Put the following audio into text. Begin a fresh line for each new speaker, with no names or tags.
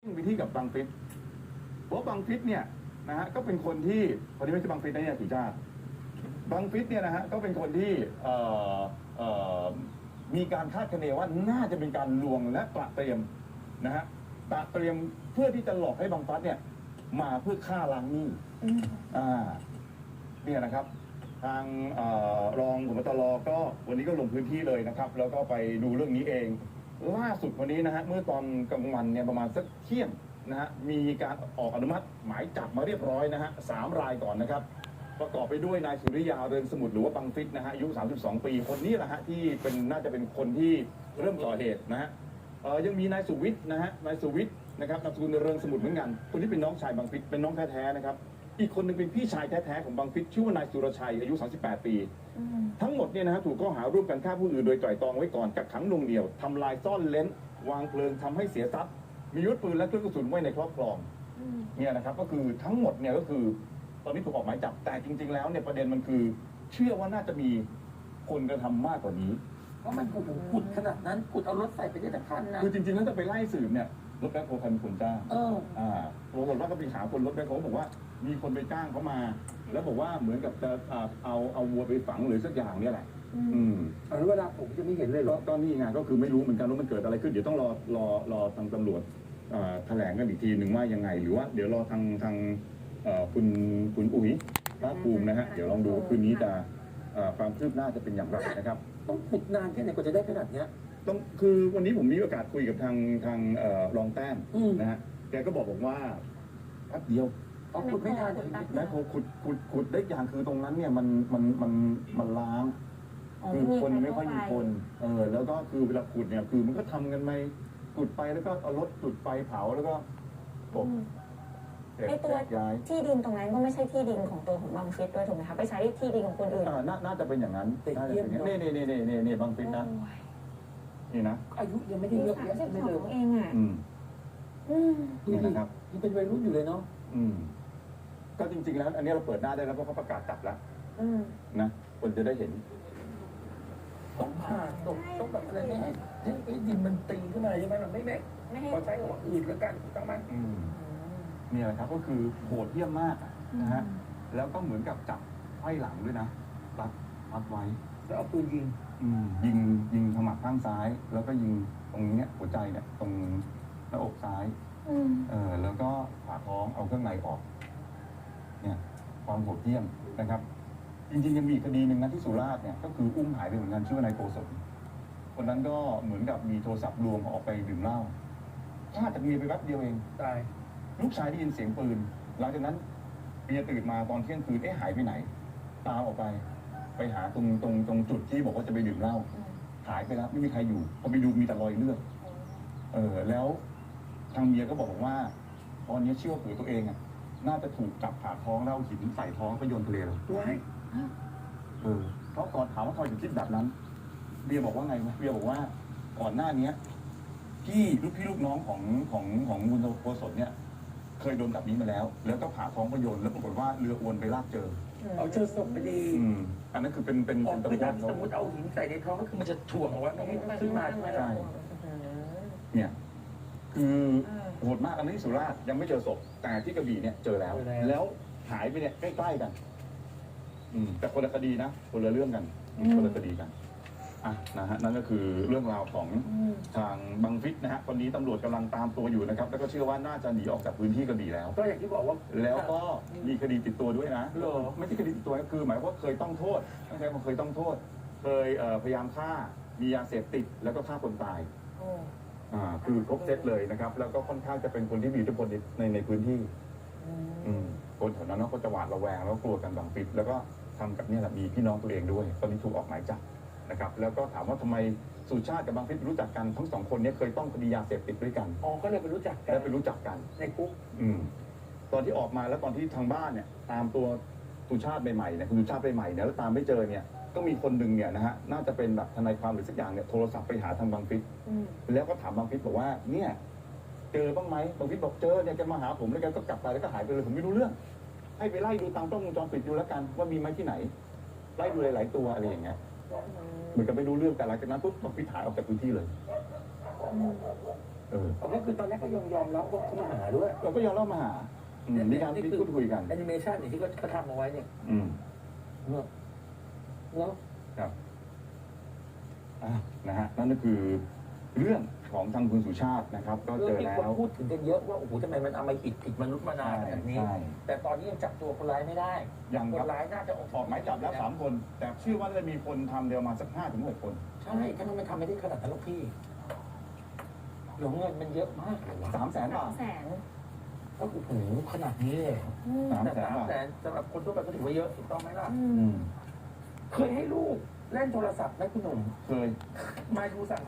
ไปที่กับบังฟิศเพราะบังฟิศเนี่ยนะฮะก็เป็นคนที่คนที่ไม่ใช่บังฟิศนะเนี่ยสุชาติบังฟิศเนี่ยนะฮะก็เป็นคนที่เอ่อมีการคาดคะเนว่าน่าจะเป็นการลวงและตระเตรียมนะฮะตระเตรียมเพื่อที่จะหลอกให้บังฟัสเนี่ยมาเพื่อฆ่าล้างหนี้เนี่ยนะครับทางรองผบ.ตร.ก็วันนี้ก็ลงพื้นที่เลยนะครับแล้วก็ไปดูเรื่องนี้เองล่าสุดวันนี้นะฮะเมื่อตอนกลางวันเนี่ยประมาณสักเที่ยงนะฮะมีการออกอนุมัติหมายจับมาเรียบร้อยนะฮะ3 รายก่อนนะครับประกอบไปด้วยนายสุริยาเรืองสมุทรหรือว่าบังฟิศนะฮะอายุ32 ปีคนนี้แหละฮะที่เป็นน่าจะเป็นคนที่เริ่มก่อเหตุนะฮะยังมีนายสุวิทย์นะฮะนายสุวิทย์นะครับนามสกุลเรืองสมุทรเหมือนกันคนที่เป็นน้องชายบังฟิศเป็นน้องแท้ๆนะครับอีกคนหนึ่งเป็นพี่ชายแท้ๆของบังฟิศชื่อว่านายสุรชัยอายุ38 ปีทั้งหมดเนี่ยนะฮะถูกข้อหาร่วมกันฆ่าผู้อื่นโดยไตร่ตรองไว้ก่อนกักขังหน่วงเหนี่ยวทำลายซ่อนเร้นวางเพลิงทำให้เสียทรัพย์มีอาวุธปืนและเครื่องกระสุนไว้ในครอบครองเนี่ยนะครับก็คือทั้งหมดเนี่ยก็คือตอนนี้ถูกออกหมายจับแต่จริงๆแล้วเนี่ยประเด็นมันคือเชื่อว่าน่าจะมีคนกระทำมากกว่านี้
เพราะมันขุดขนาดนั้นขุดเอารถใส่ไปได้ทั้งคันนะ
คือจริงๆแล้วจะไปไล่สืบเนี่ยรถแบ็คโฮลใครเป็นคนจ้างปรากฏว่าก็ไปหาคนรถแบ็คโฮลบอกว่ามีคนไปจ้างเขามาแล้วบอกว่าเหมือนกับจะเอาวัวไปฝังหรือสักอย่างเนี่ยแหละ
แล้วเวลาผมจะไม่เห็นเลยหรอ
ก็นี่ไงก็คือไม่รู้เหมือนกันว่ามันเกิดอะไรขึ้นเดี๋ยวต้องรอทางตำรวจแถลงกันอีกทีหนึ่งว่ายังไงหรือว่าเดี๋ยวรอทางคุณอุ๋ยภาคภูมินะฮะเดี๋ยวลองดูคืนนี้จะความคืบหน้าจะเป็นอย่างไรนะครับ
ต้องขุดนานแค่ไหนกว่าจะได้ขนาดเนี้ย
ต้องคือวันนี้ผมมีโอกาสคุยกับทางรองแต้มนะฮะแกก็บอกว่าแป๊บเดียว
ขุดไม่นาน
แล้วพอขุดได้อย่างคือตรงนั้นเนี่ยมันล้างคือคนไม่ค่อยมีคนแล้วก็คือเวลาขุดเนี่ยคือมันก็ทำกันไปขุดไปแล้วก็เอารถจุดไฟเผาแล้วก็กบ
ไอตัวที่ดินตรงนั้นก็ไม่ใช่ที่ดินของตัวของบังฟิศด้วยถูกไหมคะไปใช้ที่ดินของคนอื่น
น่าจะเป็นอย่างนั้นน่าจะเป็นอย่างนี้นี่บังฟิศนะนี่นะ
อายุยังไม่ได้เยอะแยะ
ไม่เลยเองอ่ะ
นี่นะครับ
ยังเป็นวัยรุ่นอยู่เลยเนาะ
ก็จริงๆแล้วอันนี้เราเปิดหน้าได้แล้วเพราะเขาประกาศจับแล้วนะคนจะได้เห็น
ต้องผ่าตกต้องแบบอะไรไม่ให้ดินมันตีขึ้นมาใช่ไหมมันไม่ให้ใช้ของอื่นแล้วกันต้องไหม
นี่แหละครับก็คือโหดเยี่ยมมากนะฮะแล้วก็เหมือนกับจับไขว้หลังด้วยนะรัดไว้
แล้วเอาปืน
ยิงขมับข้างซ้ายแล้วก็ยิงตรงนี้เนี่ยหัวใจเนี่ยตรงหน้าอกซ้ายแล้วก็ผ่าท้องเอาเครื่องในออกเนี่ยความโหดเยี่ยมนะครับจริงๆยังมีคดีหนึ่งนะที่สุราษฎร์เนี่ยก็คืออุ้มหายไปเหมือนกันชื่อว่านายโกศลคนนั้นก็เหมือนกับมีโทรศัพท์ลวงออกไปดื่มเหล้าพลาดจากเมียไปแป๊บเดียวเอง
ตาย
ลูกชายได้ยินเสียงปืนหลังจากนั้นเมียตื่นมาตอนเที่ยงคืนหายไปไหนตามออกไปหาตรงจุดที่บอกว่าจะไปดื่มเหล้าหายไปแล้วไม่มีใครอยู่พอไปดูมีแต่รอยเลือดแล้วทางเมียก็บอกว่าตอนนี้เชื่อว่าผัวตัวเองอ่ะน่าจะถูกจับผ่าท้องแล้วหินใส่ท้องไปโยนทะเลแล้วเพราะก่อนถามว่าเขาถึงคิดแบบนั้นเบียบอกว่าไงไหมเบียบอกว่าก่อนหน้านี้พี่ลูกน้องของมุนโกศลเนี่ยเคยโดนแบบนี้มาแล้วก็ผ่าท้องไปโยนแล้วปรากฏว่าเรืออวนไปลากเจอ
เอาเจอศพไปดี
อันนั้นคือเป็น
ตำรวจสมมติเอาหินใส่ในท้องก็คือมันจะถ่วงเอาไว้ไม่ให้ขึ้นมาใช่ไหม
ใช่เนี่ยคือโหดมากอันนี้สุราษฎร์ยังไม่เจอศพแต่ที่กระบี่เนี่ยเจอแล้วหายไปเนี่ยใกล้ๆกันแต่คนละคดีนะคนละเรื่องกันคนละคดีกันนะฮะนั่นก็คือเรื่องราวของทางบังฟิศนะฮะตอนนี้ตำรวจกำลังตามตัวอยู่นะครับแล้วก็เชื่อว่าน่าจะหนีออกจากพื้นที่กระบี่แล้ว
ก็อย่างที่บอกว่า
แล้วก็มีคดีติดตัวด้วยนะไม่ใช่คดีติดตัวคือหมายว่าเคยต้องโทษตั้งแต่เคยต้องโทษเคยพยายามฆ่ามียาเสพติดแล้วก็ฆ่าคนตายคือครบเซตเลยนะครับแล้วก็ค่อนข้างจะเป็นคนที่มีอิทธิพลในพื้นที่คนแถวนั้นก็จะหวาดระแวงแล้วกลัวกันบังฟิศแล้วก็ทำกับเนี่ยแหละมีพี่น้องตัวเองด้วยตอนนี้ถูกออกหมายจับนะครับแล้วก็ถามว่าทำไมสุชาติกับบังฟิศรู้จักกันทั้งสองคนนี้เคยต้องคดียาเสพติดด้วยกัน
ก็เลยไปรู้จักกัน
แล้วไปรู้จักกัน
ในคุก
ตอนที่ออกมาแล้วตอนที่ทางบ้านเนี่ยตามตัวสุชาติใหม่ๆเนี่ยคุณสุชาติใหม่ๆเนี่ยแล้วตามไม่เจอเนี่ยก็มีคนหนึ่งเนี่ยนะฮะน่าจะเป็นแบบทนายความหรือสักอย่างเนี่ยโทรศัพท์ไปหาทางบังฟิศแล้วก็ถามบังฟิศบอกว่าเนี่ยเจอบ้างไหมบังฟิศบอกเจอเนี่ยแกมาหาผมแล้วแกก็กลับไปแล้วก็หายไปเลยผมไม่รู้เรื่องให้ไปไล่ดูตามกล้องวงจรปิดดูแล้วกันว่ามีไหมที่ไหนไล่ดูหลายๆตัวอะไรอย่างเงี้ยเหมือนกับไม่รู้เรื่องแต่หลังจากนั้นปุ๊บบังฟิศหายออกจากพื้นที่เลย
ก็คือตอนแรกก็ยอมรับว่าเขามาหาด้วย
เราก็ยอมเล่ามาหามีการพูดคุยกัน
แอนิเมชันที่เขาทำเอาไว้เนี่ย เนาะ
ครับนะฮะนั่นก็คือเรื่องของทางคุณสุชาตินะครับ ก็เจอ
มี
แล้
คน
ว
พูดถึงกันเยอะว่าโอ้โหทำไมมันเอามาผิดมนุษย์มานานแบบนี้
ใช่
แต่ตอนนี้ยังจับตัวคนร้ายไม่ได้
ยัง
ค
ครั
น
บ
ร้ายน่าจะออก
หมายจับแล้ว3 คน แต่เชื่อว่าจะมีคนทำเดียวมาสัก5 ถึง 6 คน
ใช่ถ้ามันไม่ทำไม่ได้ขนาดนั้นหรอกพี่เดี๋ยวเงินมันเยอะมากเลยวะ
300,000 บาท
300,000
ก็โอ้โหขนาดนี้เลย
300,000
แต่
บาท
300,000สำหรับคนทั่วไปก็ถือว่าเยอะถูกต้องไหมล่ะ
อืม
เคยให้ลูกเล่นโทรศัพท์ไหมคุณหนุ่ม
เคย
มาดูสั่ง